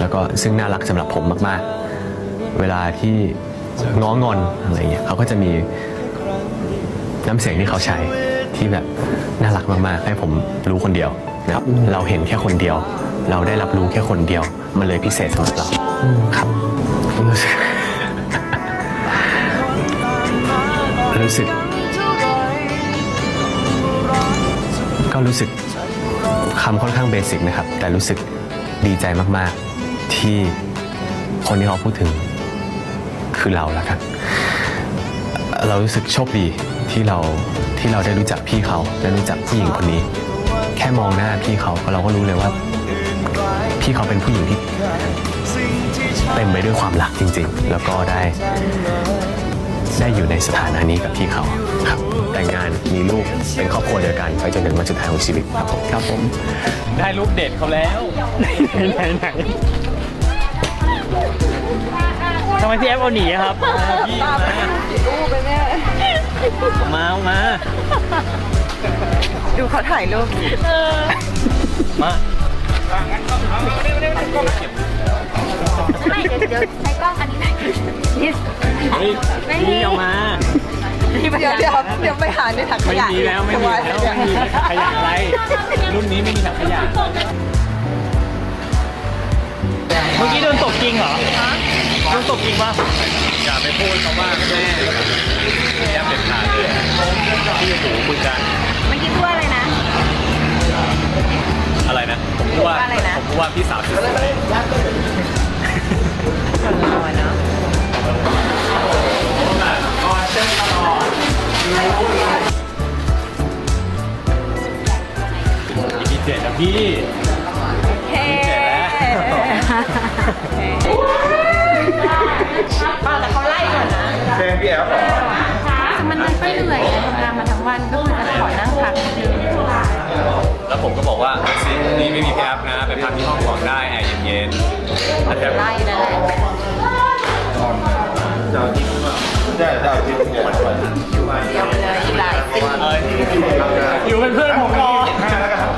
แล้วก็ซึ่งน่ารักสำหรับผมมากๆเวลาที่ง้องอนอะไรเงี้ยเขาก็จะมีน้ำเสียงที่เขาใช้ที่แบบน่ารักมากๆให้ผมรู้คนเดียวนะครับเราเห็นแค่คนเดียวเราได้รับรู้แค่คนเดียวมันเลยพิเศษสำหรับเราครับผมรู้สึก ก็รู้สึกคำค่อนข้างเบสิกนะครับแต่รู้สึกดีใจมากๆที่คนที่เขาพูดถึงคือเราแล้วครับเรารู้สึกโชคดีที่เราได้รู้จักพี่เขาได้รู้จักผู้หญิงคนนี้แค่มองหน้าพี่เขาเราก็รู้เลยว่าพี่เขาเป็นผู้หญิงที่เต็มไปด้วยความรักจริงๆแล้วก็ได้อยู่ในสถานะนี้กับพี่เขาครับแต่งงานมีลูกเป็นครอบครัวเดียวกันไปจนถึงวันสุดท้ายของชีวิตครับผมได้รูปเด็ดเขาแล้วไหนทำไมพี่แอฟเอาหนีอะครับพี่มาดูเขาถ่ายรูปมาไม่เดี๋ยวใช้กล้องอันนี้พี่ออกมาเดี๋ยวไปหาในถังขยะไม่มีแล้วไม่มีขยะอะไรรุ่นนี้ไม่มีถังขยะเมื่อกี้โดนตบจริงเหรอโดนตบจริงป่ะอย่าไปพูดคำว่าแม่แย่เด็ดขาดเลยที่หูคุยกันเมื่อกี้พูดอะไรนะอะไรนะผมพูดว่าพี่สาวสวย EP 7นะพี่เฮ้แต่เขาไล่ก่อนนะเพลงพี่แอฟมันก็เหนื่อยทำงานมาทั้งวันก็คือจะขอนั่งพักแล้วผมก็บอกว่าซีนี้ไม่มีพี่แอฟนะไปพักที่ห้องก่อนได้แอร์เย็นๆอาจจะไล่นั่นแหละเจ้าที่เดี๋ยวเลยอีกหลายปีอยู่เป็นเพื่อนผมก่อน